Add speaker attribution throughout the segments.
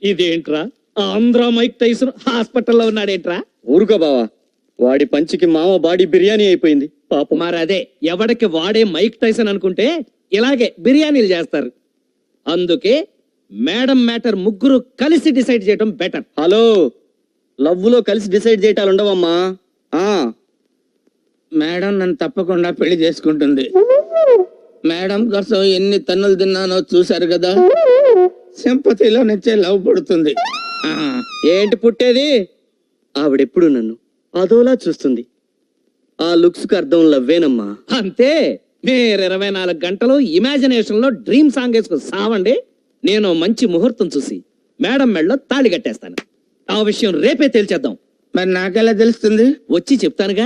Speaker 1: ఇదేంట్రా Andhra Mike Tyson హాస్పిటల్లో ఉన్నాడేంట్రా?
Speaker 2: ఊరుకో బావా, వాడి పంచికి మామ బాడీ బిర్యానీ అయిపోయింది పాపం.
Speaker 1: మరి అదే ఎవడికి వాడే మైక్ టైసన్ అనుకుంటే ఇలాగే బిర్యానీలు చేస్తారు. అందుకే మేడం మ్యాటర్ ముగ్గురు కలిసి డిసైడ్ చేయడం బెటర్.
Speaker 2: హలో, లవ్ లో కలిసి డిసైడ్ చేయటాలు ఉండవమ్మా.
Speaker 3: మేడం నన్ను తప్పకుండా పెళ్లి చేసుకుంటుంది. మేడం కోసం ఎన్ని తన్నులు తిన్నానో చూశారు కదా, సింపతిలో నుంచే లవ్ పుడుతుంది.
Speaker 2: ఏంటి పుట్టేది? ఆవిడెప్పుడు నన్ను అదోలా చూస్తుంది. ఆ లుక్స్ కు అర్థం లవ్వేనమ్మా.
Speaker 1: అంతే. మీరు 24 గంటలు ఇమాజినేషన్ లో డ్రీమ్ సాంగ్ వేసుకుని సావండి. నేను మంచి ముహూర్తం చూసి మేడం మెడలో తాళి కట్టేస్తాను. ఆ విషయం రేపే తేల్చేద్దాం.
Speaker 3: మరి నాకెలా తెలుస్తుంది?
Speaker 1: వచ్చి చెప్తానుగా.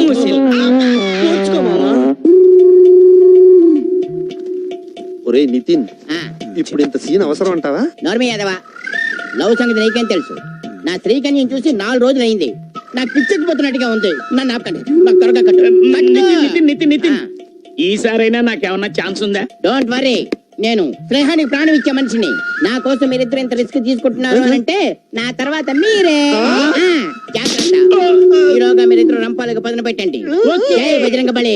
Speaker 4: ఒరే నితిన్, ఇప్పుడు ఇంత సీన్ అవసరం అంటావా?
Speaker 5: నోర్మి యాదవా, లవ్ సంగతి నీకేం తెలుసు? నా స్త్రీకన్యం చూసి 4 రోజులు అయింది. నాకు పిచ్చెక్కిపోతున్నట్టుగా ఉంది. నన్ను ఆపకండి, నాకు త్వరగా కట్టు.
Speaker 1: నితిన్ ఈసారైనా నాకేమన్నా ఛాన్స్ ఉందా?
Speaker 5: డోంట్ వరీ, నేను స్నేహానికి ప్రాణం ఇచ్చే మనిషిని. నా కోసం మీరిద్దరు ఇంత రిస్క్ తీసుకుంటున్నారు అని అంటే నా తర్వాత మీరే. జాగ్రత్త, ఈరోగా మీరిద్దరు రంపాలకు పదును పెట్టండి. జై బజరంగ బలి.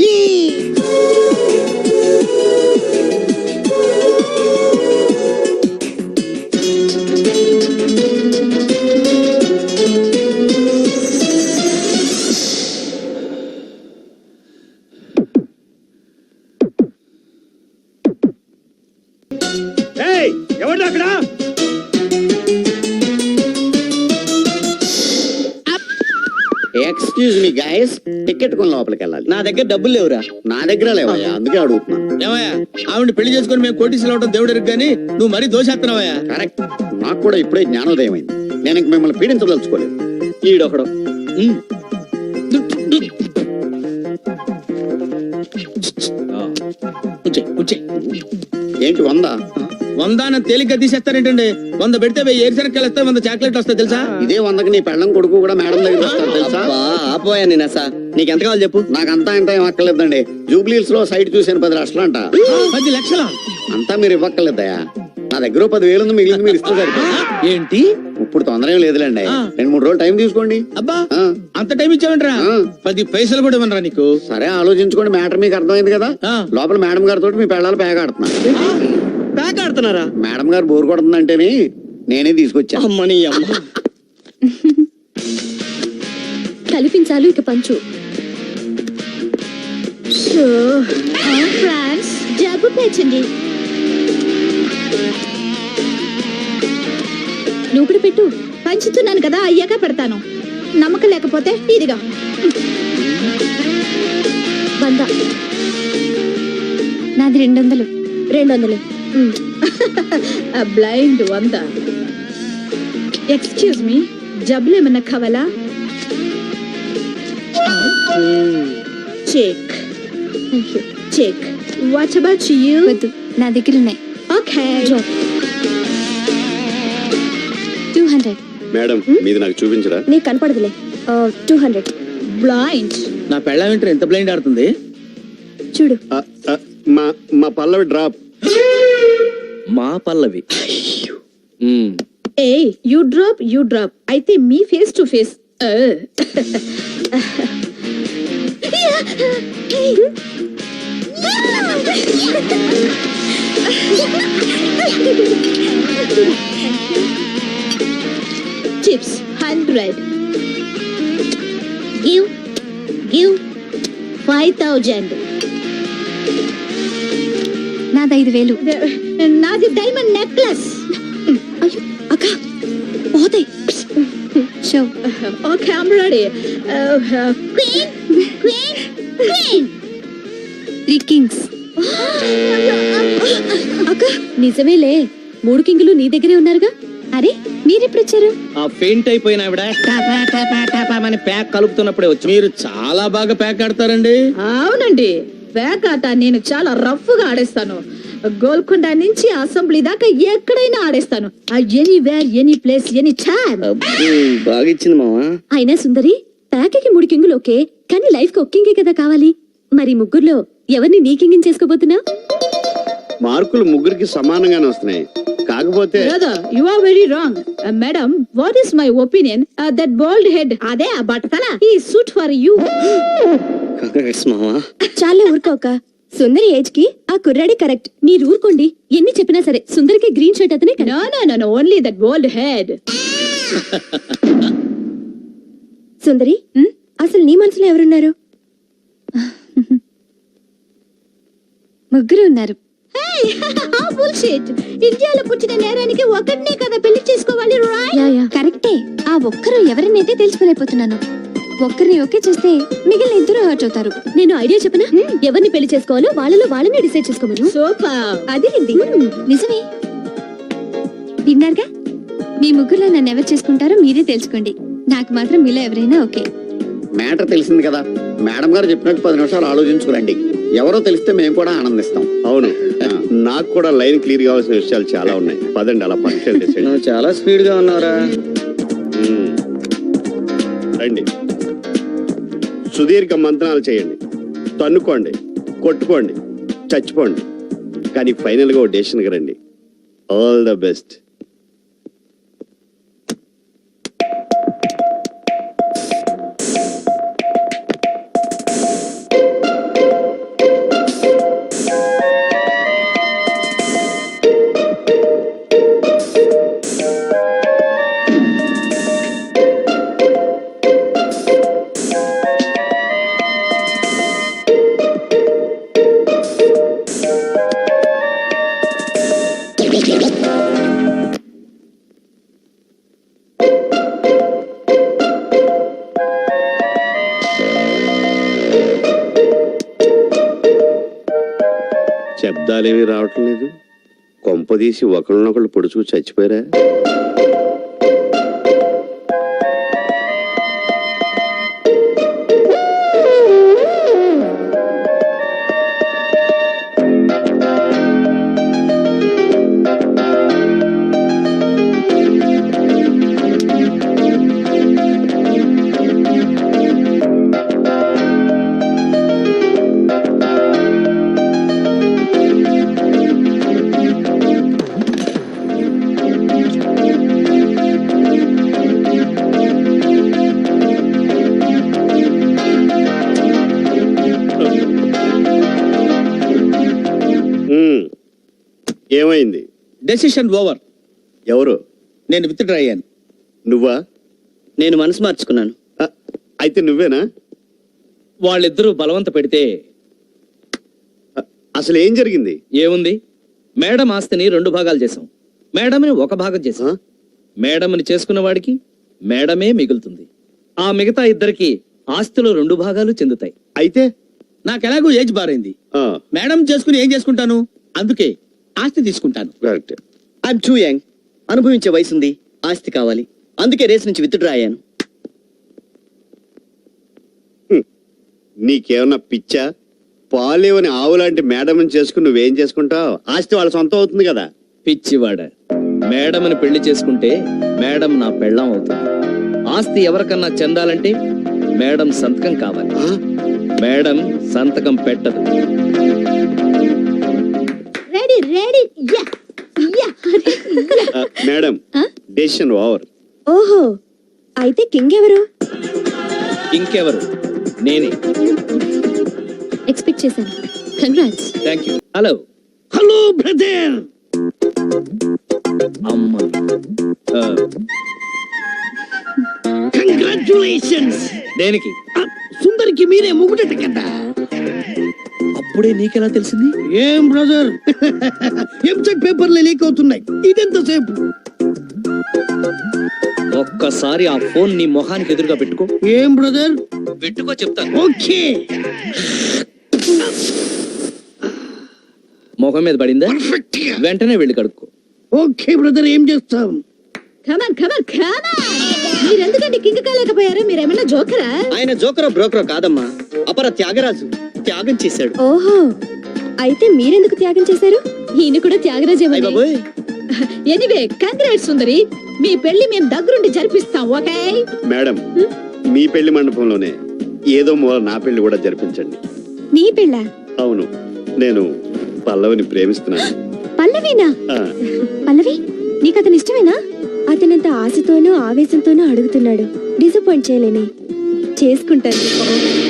Speaker 1: ఎవరు అక్కడ?
Speaker 6: ఎక్స్క్యూజ్ మీ గైస్, టికెట్ కొని లోపలికి వెళ్ళాలి.
Speaker 2: నా దగ్గర డబ్బులు లేవురా.
Speaker 6: నా దగ్గర లేవయ్యా, అందుకే అడుగుతున్నా.
Speaker 3: ఏమయ్యా, ఆవిడ పెళ్లి చేసుకుని మేము కోటీసులు అవడం దేవుడు కానీ నువ్వు మరీ దోషేస్తున్నావయ్యా.
Speaker 6: కరెక్ట్, నాకు కూడా ఇప్పుడే జ్ఞానోదయం అయింది. నేను ఇంక మిమ్మల్ని పీడించదలుచుకోలేదు.
Speaker 2: ఈడొకడు.
Speaker 6: ఏంటి 100?
Speaker 3: 100 తేలిగ్గా తీసేస్తారేంటండి? 100 పెడితే 1000 ఏరుశనక్కాయలు వస్తాయి, 100 చాక్లెట్ వస్తాయి తెలుసా?
Speaker 6: ఇదే 100కి నీ పెళ్ళం కొడుకు కూడా మేడం దగ్గర వస్తారు తెలుసా?
Speaker 2: ఆపోయా నేను అసా. నీకెంత కావాలి చెప్పు.
Speaker 6: నాకంతా ఇంత ఏం అక్కర్లేదండి. జూబ్లీహిల్స్ లో సైట్ చూసాను 10 లక్షలు అంట.
Speaker 3: 10 లక్షలా?
Speaker 6: అంతా మీరు ఇవ్వక్కర్లేదయా. నా దగ్గర 10,000 ఉంది, మిగిలింది మీరు ఇస్తే సరిపోతుంది.
Speaker 3: ఏంటి
Speaker 6: ఇప్పుడు తొందర ఏం లేదులేండి, 2-3 రోజులు టైం తీసుకోండి.
Speaker 3: అబ్బా,
Speaker 6: ఆ.
Speaker 3: అంత టైం ఇచ్చావంటరా? 10 పైసలు కూడా ఇవ్వనరా నీకు?
Speaker 6: సరే ఆలోచించుకోండి, మ్యాటర్ మీకు అర్థమైంది కదా.
Speaker 3: ఆ.
Speaker 6: లోపల మేడం గారితో మీ పెళ్ళాలు పేగాడుతున్నా.
Speaker 2: ప్యాక్ ఆడుతున్నారా?
Speaker 6: మేడం గారు బోర్ కొడుతుందంటేనే నేనే తీసుకొచ్చా.
Speaker 2: అమ్మని అమ్మ.
Speaker 7: కల్పించాలు ఇక పంచు. ఫ్రాన్స్ జబ్బు పేర్చండి. నువ్వు కూడా పెట్టు. పంచుతున్నాను కదా, అయ్యాక పెడతాను. నమ్మకం లేకపోతే ఇదిగా 100. నాది 200. 200. బ్లైండ్ 100. ఎక్స్క్యూజ్ మీ, జబ్బులు ఏమన్నా కావాలా? Check. Check. What about you? వద్దు, నా దగ్గర ఉన్నాయి. ఓకే. 200.
Speaker 6: మేడం మీది నాకు చూపించరా?
Speaker 7: నీకు కనపడదులే. 200. బ్లైండ్.
Speaker 3: నా పెళ్ళం ఏంటో ఎంత బ్లైండ్ ఆడుతుంది
Speaker 7: చూడు.
Speaker 6: మా పల్లవి డ్రాప్.
Speaker 2: మా పల్లవి.
Speaker 7: ఏ యూ డ్రాప్ అయితే మీ face to face. Chips 100. Give 5000. నాది 5000. నాది డైమండ్ నెక్లెస్. అయ్యో అక్క పోతాయి. Show. Okay, I'm ready. Queen 3 kings. అక్క నిజమేలే, 3 కింగులు నీ దగ్గరే ఉన్నారుగా. అరే మీరెప్పుడు వచ్చారు?
Speaker 1: ఆ ఫెయింట్ అయిపోయిన ఆవిడ టాపా టాపా టాపా అని ప్యాక్ కలుపుతున్నప్పుడే వచ్చి.
Speaker 3: మీరు చాలా బాగా ప్యాక్ ఆడతారండి.
Speaker 7: అవునండి, ప్యాక్ ఆట నేను చాలా రఫ్ గా ఆడేస్తాను. గోల్కొండ నుంచి అసెంబ్లీ దాకా ఎక్కడైనా ఆడేస్తాను. Anywhere, any place, any time.
Speaker 2: బాగా ఇచ్చింది మావా.
Speaker 7: అయినా సుందరి, ప్యాక్కి 3 కింగులు ఓకే, కానీ లైఫ్ కి 1 కింగే కదా కావాలి. మరి ముగ్గురులో ఎవరిని నీ కింగిని చేసుకోబోతున్నావు?
Speaker 6: మార్కులు ముగ్గురికి సమానంగానే వస్తున్నాయి.
Speaker 4: కాకపోతే
Speaker 7: Brother, you are very wrong. Madam, what is my opinion? That bald head, అదే ఆ బట్టతల, he suit for you.
Speaker 2: Congrats మావా.
Speaker 8: చాలా ఊరుకోక సుందరి ఏజ్ కి ఆ కుర్రాడే కరెక్ట్. మీరు ఊరుకోండి, ఎన్ని చెప్పినా సరే సుందరికి గ్రీన్ షర్ట్ అతనే correct.
Speaker 7: No, no, no, no, only that bald head.
Speaker 8: Sundari అసలు నీ మనసులో ఎవరున్నారు? ముగ్గురు ఉన్నారు.
Speaker 7: Hey, how bullshit. ఇండియాలో పుట్టిన నేరానికి ఒకటినే కదా పెళ్లి చేసుకోవాలి, right?
Speaker 8: యా కరెక్టే. ఆ ఒక్కరు ఎవరినైతే తెలుసుకోలేకపోతున్నాను. ఒక్కరిని ఓకే చేస్తే మిగిలిన ఇద్దరు హర్ట్ అవుతారు. నేను ఐడియా చెప్పనా? ఎవరిని పెళ్లి చేసుకోవాలో వాళ్ళలో వాళ్ళని డిసైడ్ చేసుకోమను.
Speaker 7: Super.
Speaker 8: అది నిజమే. విన్నారుగా, మీ ముగ్గురులో నన్ను ఎవరు చేసుకుంటారో మీరే తెలుసుకోండి. నాకు మాత్రం మీలో ఎవరైనా ఓకే.
Speaker 6: మ్యాటర్ తెలిసింది కదా, మేడం గారు చెప్పినట్టు 10 నిమిషాలు ఆలోచించుకురండి. ఎవరో తెలిస్తే మేము కూడా ఆనందిస్తాం.
Speaker 4: అవును, నాకు కూడా లైన్ క్లియర్ కావాల్సిన విషయాలు చాలా ఉన్నాయి. పదండి అలా పక్షాలు డిసైడ్.
Speaker 2: నువ్వు చాలా స్పీడ్ గా ఉన్నారా?
Speaker 4: రండి, సుదీర్ఘ మంత్రాలు చేయండి, తన్నుకోండి, కొట్టుకోండి, చచ్చిపోండి, కానీ ఫైనల్ గా ఓ డెసిషన్కి రండి. All the best. శబ్దాలేమీ రావటం లేదు. కొంపదీసి ఒకళ్ళనొకళ్ళు పొడుచుకు చచ్చిపోయారా? ఏమైంది?
Speaker 3: Decision over.
Speaker 4: ఎవరు?
Speaker 3: నేను విత్డ్రా అయ్యాను.
Speaker 4: నువ్వా?
Speaker 2: నేను మనసు మార్చుకున్నాను.
Speaker 4: అయితే నువ్వేనా?
Speaker 1: వాళ్ళిద్దరూ బలవంత పెడితే
Speaker 4: అసలు ఏం జరిగింది?
Speaker 1: ఏముంది, మేడం ఆస్తిని 2 భాగాలు చేశాం, మేడంని 1 భాగం చేశాం. మేడంని చేసుకున్న వాడికి మేడమే మిగులుతుంది. ఆ మిగతా ఇద్దరికి ఆస్తిలో 2 భాగాలు చెందుతాయి.
Speaker 4: అయితే
Speaker 3: నాకు ఎలాగో ఏజ్ బారైంది. మేడం చేసుకుని ఏం చేసుకుంటాను, అందుకే ఆస్తి తీసుకుంటాను.
Speaker 4: కరెక్ట్.
Speaker 2: I'm too young. అనుభవించే వయసుంది, ఆస్తి కావాలి. అందుకే రేస్ నుంచి విత్డ్రా అయ్యాను.
Speaker 4: నీకేమన్నా పిచ్చా? పాలేవని ఆవులాంటి మేడం చేసుకుని నువ్వేం చేసుకుంటావు? ఆస్తి వాళ్ళ సొంతం అవుతుంది కదా.
Speaker 1: పిచ్చివాడ, మేడంని పెళ్లి చేసుకుంటే మేడం నా పెళ్ళాం అవుతుంది. ఆస్తి ఎవరికన్నా చెందాలంటే మేడం సంతకం కావాలి. మేడం సంతకం పెట్టదు.
Speaker 7: Ready, ready. Yeah. Yeah.
Speaker 4: Madam, decision over.
Speaker 8: ఓహో, అయితే కింగ్ ఎవరు?
Speaker 1: ఇంకెవరు? నేనే.
Speaker 8: ఎక్స్పెక్ట్ చేశాను. Congrats.
Speaker 1: Thank you. Hello
Speaker 3: hello brother.
Speaker 1: అమ్మ,
Speaker 3: కంగ్రాచులేషన్స్.
Speaker 1: దేనికి?
Speaker 3: సుందరికి మీరే ముగ్గుట కదా.
Speaker 1: అప్పుడే నీకెలా తెలిసింది?
Speaker 3: ఏం బ్రదర్, ఎంసెట్ పేపర్లు లీక్ అవుతున్నాయి. ఇదెంతసేపు?
Speaker 1: ఒక్కసారి ఆ ఫోన్ నీ మొహానికి ఎదురుగా పెట్టుకో.
Speaker 3: ఏం బ్రదర్?
Speaker 1: పెట్టుకో చెప్తాను.
Speaker 3: ఓకే.
Speaker 1: మొహం మీద పడిందా? వెంటనే వెళ్ళి కడుక్కో.
Speaker 3: ఓకే బ్రదర్, ఏం చేస్తాం?
Speaker 7: Come on, come on, come on. మీరు ఎందుకంటే కింగ్ కాలేకపోయారు? మీరేమన్నా జోకరా?
Speaker 2: ఆయన జోకరో బ్రోకరో కాదమ్మా, అపర త్యాగరాజు. త్యాగం చేశాడు.
Speaker 8: ఓహో, అయితే మీరెందుకు త్యాగం చేశారు? ఈయన కూడా త్యాగరాజే.
Speaker 2: అయ్ బాబోయ్.
Speaker 7: ఎనీవే, కంగ్రాట్స్ సుందరి. మీ పెళ్లి మేము దగ్గరుండి జరిపిస్తాం, ఓకే?
Speaker 4: మేడం, మీ పెళ్లి మండపంలోనే ఏదో మూల నా పెళ్లి కూడా జరిపించండి.
Speaker 8: నీ పెళ్ళ?
Speaker 4: అవును, నేను పల్లవిని ప్రేమిస్తున్నాను.
Speaker 8: పల్లవినా?
Speaker 4: ఆ.
Speaker 8: పల్లవి ఆవేశంతోనూ అడుగుతున్నాడు. డిసప్పాయింట్ చేయలేనే. చేసుకుంటాను.